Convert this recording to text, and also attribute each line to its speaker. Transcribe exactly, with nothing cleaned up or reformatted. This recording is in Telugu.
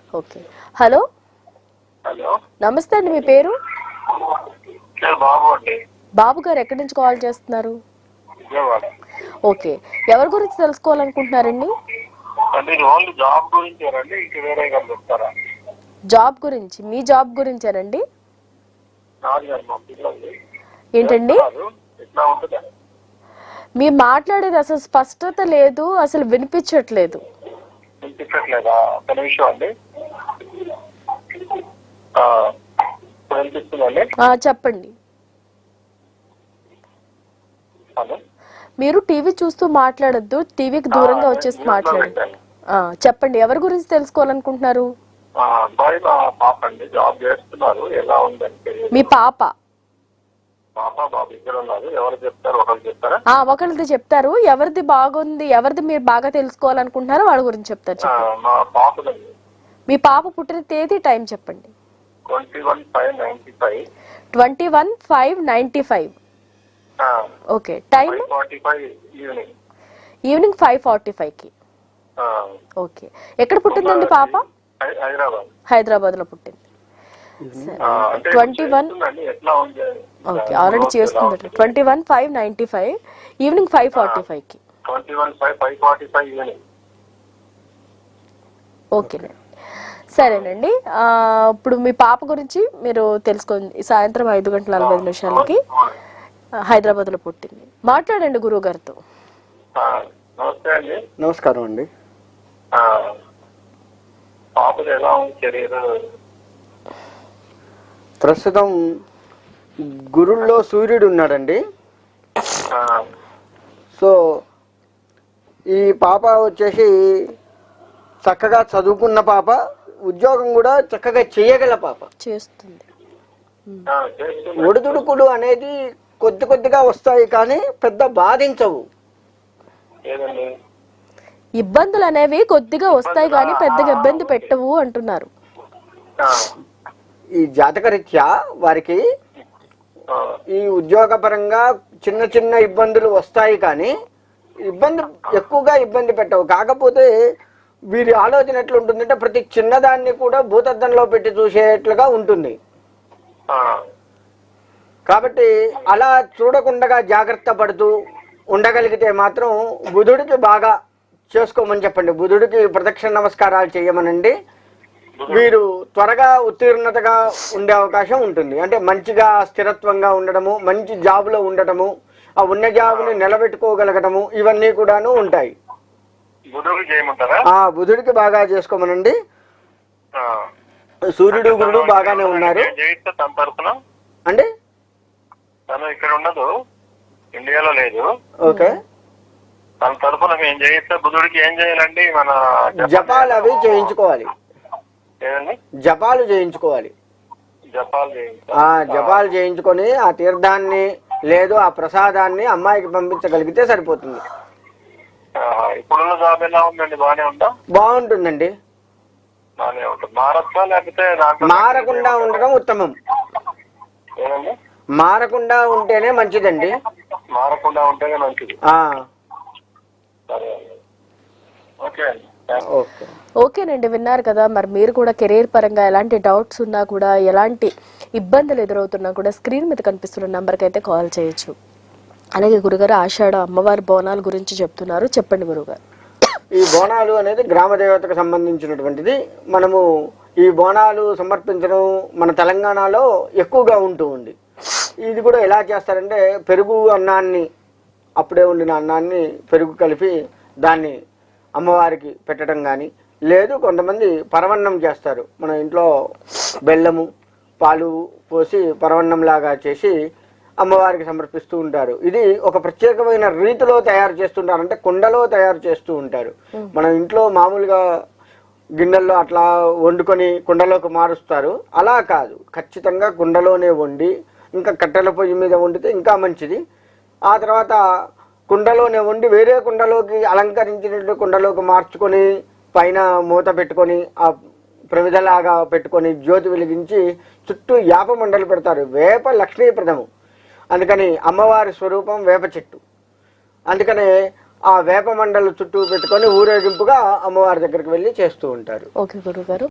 Speaker 1: ఓకే. హలో
Speaker 2: హలో,
Speaker 1: నమస్తే అండి, మీ పేరు?
Speaker 2: బాబు అండి.
Speaker 1: బాబు గారు ఎక్కడి నుంచి కాల్ చేస్తున్నారు?
Speaker 2: విజయవాడ.
Speaker 1: ఓకే, ఎవరి గురించి తెలుసుకోవాలనుకుంటున్నారండి?
Speaker 2: అంటే ఓన్లీ జాబ్ గురించి రండి, ఇంక వేరే గారు చెప్తారా?
Speaker 1: జాబ్ గురించి, మీ జాబ్ గురించేనండి?
Speaker 2: నాది గారు మా పిల్లలు
Speaker 1: ఏంటండి
Speaker 2: ఎట్లా ఉంటుందా?
Speaker 1: మీరు మాట్లాడేది అసలు స్పష్టత లేదు, అసలు వినిపించట్లేదు.
Speaker 2: వినిపించట్లేదా? ఒక నిమిషం అండి. ఆ, ఇప్పుడు వినిపిస్తుందండి.
Speaker 1: ఆ, చెప్పండి.
Speaker 2: హలో,
Speaker 1: మీరు టీవీ చూస్తూ మాట్లాడొద్దు, టీవీకి దూరంగా వచ్చేసి మాట్లాడండి. ఆ, చెప్పండి, ఎవరి గురించి తెలుసుకోవాలనుకుంటున్నారు?
Speaker 2: అబ్బాయి మా పాప అండి, జాబ్ చేస్తున్నారు. ఎలా ఉందంటే
Speaker 1: మీ పాప?
Speaker 2: పాప బాబు ఇద్దరు ఉన్నారు. ఎవరు చెప్తారు? ఒకరు చెప్తారా?
Speaker 1: ఆ, ఒకరిది చెప్తారు. ఎవరిది బాగుంది, ఎవరిది మీరు బాగా తెలుసుకోవాలనుకుంటున్నారో వాళ్ళ గురించి చెప్తారు. చెప్పండి.
Speaker 2: మా పాపదండి.
Speaker 1: మీ పాప పుట్టిన తేదీ, టైం చెప్పండి.
Speaker 2: Twenty one five ninety five
Speaker 1: twenty one five ninety five okay. Time
Speaker 2: forty five evening
Speaker 1: evening five forty five కి. ఓకే. ఎక్కడ పుట్టిందండి పాప?
Speaker 2: హైదరాబాద్.
Speaker 1: హైదరాబాద్ లో పుట్టింది. ట్వంటీ వన్ ఓకే, ఆల్రెడీ చేసుకుంటారు. Twenty one five ninety five evening five forty five కి.
Speaker 2: Twenty one five five forty five evening.
Speaker 1: ఓకేనండి, సరేనండి. ఇప్పుడు మీ పాప గురించి మీరు తెలుసుకోండి. సాయంత్రం ఐదు గంటల నలభై ఐదు నిమిషాలకి హైదరాబాద్ లో పుట్టింది. మాట్లాడండి గురువు గారితో.
Speaker 2: నమస్తే అండి.
Speaker 3: నమస్కారం అండి.
Speaker 2: పాపది ఎలా ఉంది కెరీర్?
Speaker 3: ప్రస్తుతం గురుల్లో సూర్యుడు ఉన్నాడండి. సో ఈ పాప వచ్చేసి చక్కగా చదువుకున్న పాప, ఉద్యోగం కూడా చక్కగా చేయగల పాప.
Speaker 1: చేస్తుంది.
Speaker 3: ఒడిదుడుకులు అనేది కొద్ది కొద్దిగా వస్తాయి కానీ పెద్ద బాధించవు.
Speaker 1: ఇబ్బందులు అనేవి కొద్దిగా వస్తాయి కానీ పెద్దగా ఇబ్బంది పెట్టవు అంటున్నారు.
Speaker 3: ఈ జాతకరీత్యా వారికి ఈ ఉద్యోగపరంగా చిన్న చిన్న ఇబ్బందులు వస్తాయి కానీ ఇబ్బంది ఎక్కువగా ఇబ్బంది పెట్టవు. కాకపోతే వీరి ఆలోచన ఎట్లుంటుందంటే ప్రతి చిన్నదాన్ని కూడా భూతద్దంలో పెట్టి చూసేట్లుగా ఉంటుంది. కాబట్టి అలా చూడకుండా జాగ్రత్త పడుతూ ఉండగలిగితే మాత్రం బుధుడికి బాగా చేసుకోమని చెప్పండి. బుధుడికి ప్రదక్షిణ నమస్కారాలు చేయమనండి. వీరు త్వరగా ఉత్తీర్ణతగా ఉండే అవకాశం ఉంటుంది. అంటే మంచిగా స్థిరత్వంగా ఉండటము, మంచి జాబులో ఉండటము, ఆ ఉన్న జాబుని నిలబెట్టుకోగలగటము, ఇవన్నీ కూడాను ఉంటాయి. ఆ బుధుడికి బాగా చేసుకోమనండి. సూర్యుడు గురుడు బాగానే ఉన్నారు అండి.
Speaker 2: తను ఇక్కడ ఉండదు, ఇండియాలో లేదు.
Speaker 3: ఓకే.
Speaker 2: తన తరఫున మేము చేయిస్తే బుధుడికి ఏం చేయాలండి? మన
Speaker 3: జపాలు అవి చేయించుకోవాలి.
Speaker 2: ఏదండి?
Speaker 3: జపాలు చేయించుకోవాలి.
Speaker 2: జపాలు
Speaker 3: ఆ జపాలు చేయించుకొని ఆ తీర్థాన్ని లేదు ఆ ప్రసాదాన్ని అమ్మాయికి పంపించగలిగితే సరిపోతుంది.
Speaker 2: ఇప్పుడున్న జాబ్ ఎలా ఉందండి? బాగానే ఉందా?
Speaker 3: బాగుంటుందండి.
Speaker 2: బాగానే ఉంటుంది. మారచ్చా లేకపోతే
Speaker 3: మారకుండా ఉండడం ఉత్తమం.
Speaker 2: ఏదండి?
Speaker 3: మారకుండా ఉంటేనే మంచిదండి.
Speaker 2: మారకుండా ఉంటేనే మంచిది. ఓకే
Speaker 3: ఓకే
Speaker 1: ఓకేనండి, విన్నారు కదా. మరి మీరు కూడా కెరీర్ పరంగా ఎలాంటి డౌట్స్ ఉన్నా కూడా, ఎలాంటి ఇబ్బందులు ఎదురవుతున్నా కూడా స్క్రీన్ మీద కనిపిస్తున్న నంబర్కి అయితే కాల్ చేయొచ్చు. అలాగే గురుగారు ఆషాఢ అమ్మవారి బోనాల గురించి చెప్తున్నారు, చెప్పండి గురుగారు.
Speaker 3: ఈ బోనాలు అనేది గ్రామ దేవతకు సంబంధించినటువంటిది. మనము ఈ బోనాలు సమర్పించడం మన తెలంగాణలో ఎక్కువగా ఉంటూ ఉంది. ఇది కూడా ఎలా చేస్తారంటే పెరుగు అన్నాన్ని, అప్పుడే వండిన అన్నాన్ని పెరుగు కలిపి దాన్ని అమ్మవారికి పెట్టడం కానీ, లేదు కొంతమంది పరవన్నం చేస్తారు. మన ఇంట్లో బెల్లము పాలు పోసి పరవన్నం లాగా చేసి అమ్మవారికి సమర్పిస్తూ ఉంటారు. ఇది ఒక ప్రత్యేకమైన రీతిలో తయారు చేస్తుంటారు, అంటే కుండలో తయారు చేస్తూ ఉంటారు. మనం ఇంట్లో మామూలుగా గిన్నెల్లో అట్లా వండుకొని కుండలోకి మారుస్తారు. అలా కాదు, ఖచ్చితంగా కుండలోనే వండి, ఇంకా కట్టెల పొయ్యి మీద వండితే ఇంకా మంచిది. ఆ తర్వాత కుండలోనే వండి వేరే కుండలోకి అలంకరించినట్టు కుండలోకి మార్చుకొని పైన మూత పెట్టుకొని ఆ ప్రమిదలాగా పెట్టుకొని జ్యోతి వెలిగించి చుట్టూ యాప మండలు పెడతారు. వేప లక్ష్మీప్రదము, అందుకని అమ్మవారి స్వరూపం వేప చెట్టు. అందుకనే ఆ వేప మండలు చుట్టూ పెట్టుకొని ఊరేగింపుగా అమ్మవారి దగ్గరికి వెళ్ళి చేస్తూ ఉంటారు.
Speaker 1: ఓకే గురుగారు.